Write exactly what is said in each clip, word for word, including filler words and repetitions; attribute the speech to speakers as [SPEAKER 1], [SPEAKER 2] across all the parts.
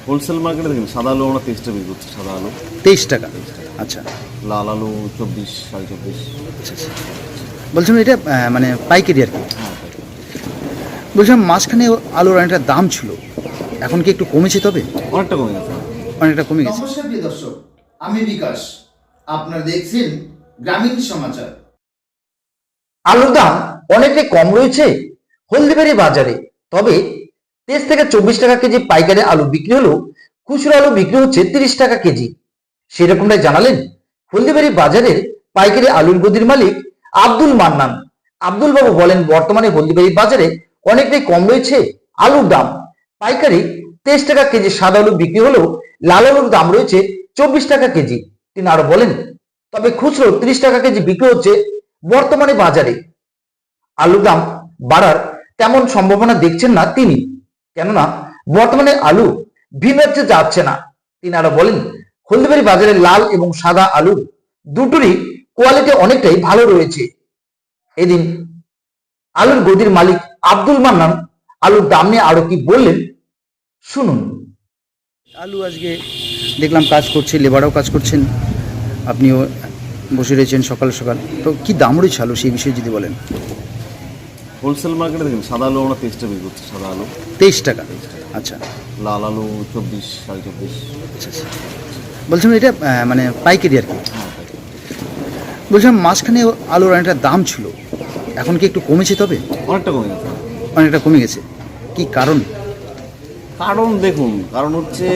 [SPEAKER 1] Wholesale মার্কেটে দেখুন সাদা আলু আমরা তেইশ টাকা বিক্রি করছি। সাদা আলু
[SPEAKER 2] তেইশ টাকা। আচ্ছা
[SPEAKER 1] লাল আলু চব্বিশ সাড়ে চব্বিশ।
[SPEAKER 2] আচ্ছা আচ্ছা বলছিলাম এটা আহ, মানে পাইকারি আর কি।
[SPEAKER 1] হ্যাঁ
[SPEAKER 2] বলছিলাম মাঝখানে আলুর অনেকটা দাম ছিল, এখন কি একটু কমেছে? তবে
[SPEAKER 1] অনেকটা কমে গেছে।
[SPEAKER 2] অনেকটা কমে গেছে।
[SPEAKER 3] নমস্কার প্রিয় দর্শক, আমি বিকাশ, আপনারা দেখছেন গ্রামীণ সমাচার।
[SPEAKER 4] আলুর দাম অনেকটাই কম রয়েছে হলদিবাড়ি বাজারে। তবে তেইশ থেকে চব্বিশ টাকা কেজি পাইকারি আলু বিক্রি হলেও খুচরো আলু বিক্রি হচ্ছে তিরিশ টাকা কেজি। সেরকমটাই জানালেন হলদিবাড়ি বাজারের পাইকারি আলুর গদির মালিক আব্দুল মান্নান। আব্দুল বাবু বলেন, বর্তমানে হলদিবাড়ি বাজারে অনেকটাই কম রয়েছে আলুর দাম। পাইকারি তেইশ টাকা কেজি সাদা আলু বিক্রি হলেও লাল আলুর দাম রয়েছে চব্বিশ টাকা কেজি। তিনি আরো বলেন, তবে খুচরো তিরিশ টাকা কেজি বিক্রি হচ্ছে বর্তমানে বাজারে। আলুর দাম বাড়ার তেমন সম্ভাবনা দেখছেন না তিনি, কেননা বর্তমানে আলু ভিন রাজ্যে যাচ্ছে না। তিনি আরো বলেন, হলদিবাড়ি বাজারে লাল এবং সাদা আলুর দুটোরই কোয়ালিটি অনেকটাই ভালো রয়েছে। এদিন আলুর গদির মালিক আব্দুল মান্নান আলুর দাম নিয়ে আরো কি বললেন শুনুন।
[SPEAKER 2] আলু আজকে দেখলাম কাজ করছে, লেবারও কাজ করছেন, আপনিও বসে রয়েছেন সকাল সকাল, তো কি দাম রয়েছে আলু সেই বিষয়ে যদি বলেন।
[SPEAKER 1] হোলসেল মার্কেটে দেখুন সাদা আলু আমরা তেইশ টাকা বিক্রি করছি। সাদা আলু
[SPEAKER 2] তেইশ টাকা। আচ্ছা
[SPEAKER 1] লাল আলু চব্বিশ সাড়ে চব্বিশ।
[SPEAKER 2] আচ্ছা আচ্ছা বলছিলাম এটা আহ, মানে পাইকারি আর কি।
[SPEAKER 1] হ্যাঁ পাইকারি।
[SPEAKER 2] বলছিলাম মাঝখানে আলুর অনেকটা দাম ছিল, এখন কি একটু কমেছে? তবে
[SPEAKER 1] অনেকটা কমে গেছে।
[SPEAKER 2] অনেকটা কমে গেছে, কি কারণ?
[SPEAKER 1] কারণ দেখুন, কারণ হচ্ছে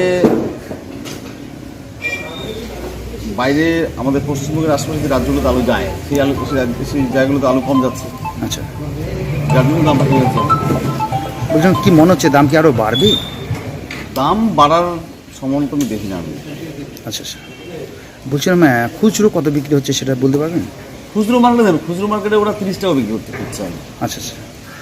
[SPEAKER 1] বাইরে আমাদের পশ্চিমবঙ্গের আশেপাশে যে রাজ্যগুলোতে আলু যায়, সেই আলু সেই রাজ্য- সেই জায়গাগুলোতে আলু কম যাচ্ছে,
[SPEAKER 2] আচ্ছা
[SPEAKER 1] যার জন্য দামটা কমে যাচ্ছে।
[SPEAKER 2] বলছিলাম কি মনে হচ্ছে দাম কি আরও বাড়বে?
[SPEAKER 1] দাম বাড়ার সম্ভাবনা তো আমি দেখি না আমি।
[SPEAKER 2] আচ্ছা আচ্ছা বলছিলাম আহ, খুচরো কত বিক্রি হচ্ছে সেটা বলতে পারবেন?
[SPEAKER 1] খুচরো মার্কেটে দেখুন, খুচরো মার্কেটে ওরা তিরিশ টাকা বিক্রি করতে করছে। আমি
[SPEAKER 2] আচ্ছা আচ্ছা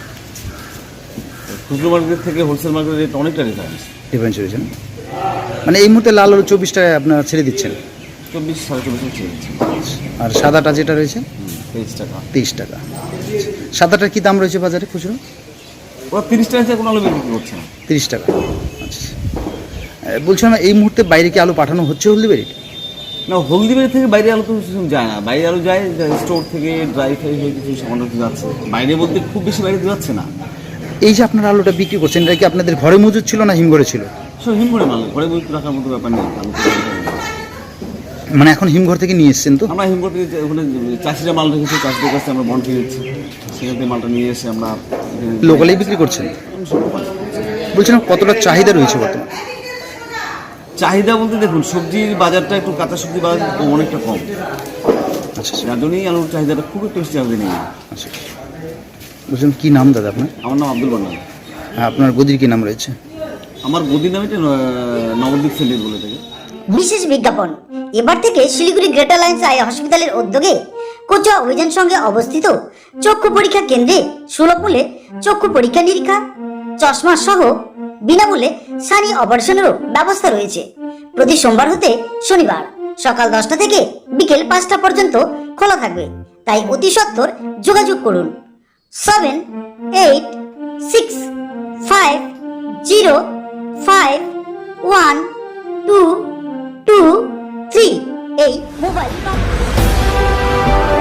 [SPEAKER 1] খুচরো মার্কেট থেকে হোলসেল মার্কেটের রেট অনেকটা ডিফারেন্স।
[SPEAKER 2] ডিফারেন্স রয়েছে না? মানে এই মুহূর্তে লাল আলু চব্বিশ টাকায় আপনারা ছেড়ে দিচ্ছেন,
[SPEAKER 1] চব্বিশ সাড়ে চব্বিশ ছেড়ে দিচ্ছে।
[SPEAKER 2] আর সাদাটা যেটা রয়েছে
[SPEAKER 1] তেইশ টাকা।
[SPEAKER 2] তেইশ টাকা। সাদাটার কি দাম রয়েছে বাজারে খুচরো?
[SPEAKER 1] ওরা তিরিশ টাকা কোনো আলু বিক্রি করছে না।
[SPEAKER 2] তিরিশ টাকা। আচ্ছা আহ, বলছিলাম এই মুহূর্তে বাইরে কি আলু পাঠানো হচ্ছে হলদিবাড়ি?
[SPEAKER 1] না, হলদিবাড়ি থেকে বাইরে আলু তো সেরকম যায় না। বাইরে আলু যায় স্টোর থেকে ড্রাই ফ্রাই হয়ে কিছু সামান্য কিছু যাচ্ছে, বাইরে বলতে খুব বেশি বাইরে যাচ্ছে না।
[SPEAKER 2] এই যে আপনারা আলুটা বিক্রি করছেন, এটা কি আপনাদের ঘরে মজুদ ছিল না হিমঘরে ছিল?
[SPEAKER 1] সব হিম করে মাল ঘরে বই রাখার মতো ব্যাপার নেই। আলু তো
[SPEAKER 2] মানে এখন হিমঘর থেকে নিয়ে এসছেন তো?
[SPEAKER 1] আমরা হিম থেকে ওখানে চাষিরা মাল রেখেছি, চাষিদের কাছে আমরা বন্ড খেয়ে দিচ্ছি, সেখান থেকে মালটা নিয়ে এসে আমরা
[SPEAKER 2] লোকালেই বিক্রি করছেন? বলছিলাম কতটা চাহিদা রয়েছে বর্তমানে?
[SPEAKER 1] চাহিদা বলতে দেখুন, সবজির বাজারটা একটু কাঁচা সবজির বাজার কম, অনেকটা কম,
[SPEAKER 2] আচ্ছা আচ্ছা
[SPEAKER 1] যার জন্যই আলুর চাহিদাটা খুব একটু বেশি চাহিদা নেই।
[SPEAKER 2] আচ্ছা বলছিলাম কী নাম দাদা আপনার?
[SPEAKER 1] আমার নাম আব্দুল মান্নান।
[SPEAKER 2] হ্যাঁ, আপনার গদির কী নাম রয়েছে?
[SPEAKER 1] আমার গদির নাম এটা নবদ্বীপ সেন্টার বলে থাকে।
[SPEAKER 5] বিশেষ বিজ্ঞাপন, এবার থেকে শিলিগুড়ি গ্রেটার লাইন্স আই হসপিটালের উদ্যোগে কোচুয়া অভিযান সঙ্গে অবস্থিত চক্ষু পরীক্ষা কেন্দ্রে সুলভ মূল্যে চক্ষু পরীক্ষা নিরীক্ষা, চশমা সহ বিনামূল্যে সানি অপারেশনেরও ব্যবস্থা রয়েছে। প্রতি সোমবার হতে শনিবার সকাল দশটা থেকে বিকেল পাঁচটা পর্যন্ত খোলা থাকবে, তাই অতি সত্বর যোগাযোগ করুন seven eight six five zero five one two two three এই মোবাইল নম্বর।